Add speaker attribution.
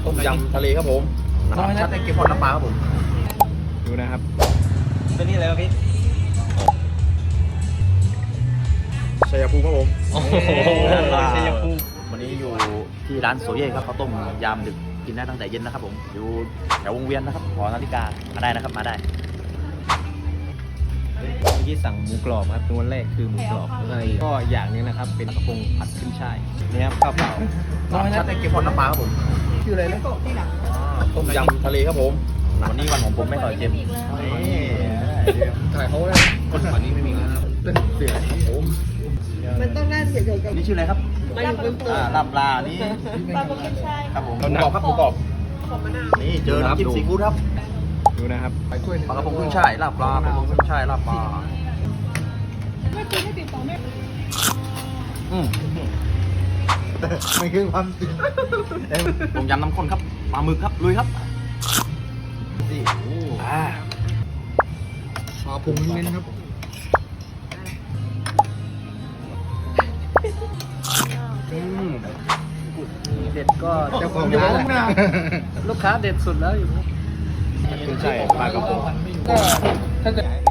Speaker 1: ต้มยำทะเลครับผมชัดในเกมพอดน้ำปลาครับผมดูนะครับเป็นนี่อะไรครับพี่ชัยภูมิครับผม
Speaker 2: โอ้โห
Speaker 1: ชัยภูมิวันนี้อยู่ที่ร้านโซเย่ครับข้าวต้มยามดึกกินได้ตั้งแต่เย็นนะครับผมอยู่แถววงเวียนนะครับหอนาฬิกามาได้นะครับมาได้
Speaker 2: เมื่อกี้สั่งหมูกรอบครับตัวแรกคือหมูกรอบแล้วก็อย่างนึงนะครับเป็นกระพงผัดขึ้นช่ายนี่ครับข้าวเปล่า
Speaker 1: ชัดในเกมพอดน้ำปลาครับผมชื่ออะไรนะต้มยำทะเลครับผมวันนี้วันของผมไม่ต่อยเค็มนี่ถ่ายเขาเลยคนฝั่งนี้ไม่มีแล้วเป็นเสือผม
Speaker 3: มันต้องน่าเสียใจกับ
Speaker 1: นี่ชื่ออะไรครับ
Speaker 3: มาอยู่บนตัว
Speaker 1: ลาบปลานี่
Speaker 3: ปลาโปเกมชาย
Speaker 1: ครับผมหมูกรอบครับหมูกรอบ
Speaker 3: ขอบมะนาว
Speaker 1: นี่เจอน้ำจิ้มซีฟู้ดครับ
Speaker 2: ดูนะครับ
Speaker 1: ปลากระพงขึ้นช่ายลาบปลากระพงขึ้นช่ายลาบปลา
Speaker 2: ไม่คือความจริง
Speaker 1: ต้มยำน้ำข้นครับปลาหมึกครับลุยครับนี่ปลาพุงเน้นครับเด็ดก็เจ้าของร้านแหละลูกค้าเด็ดสุดแล้วอยู่
Speaker 2: ขึ้นช่ายปลากระพง
Speaker 3: ก็ถ้าเกิด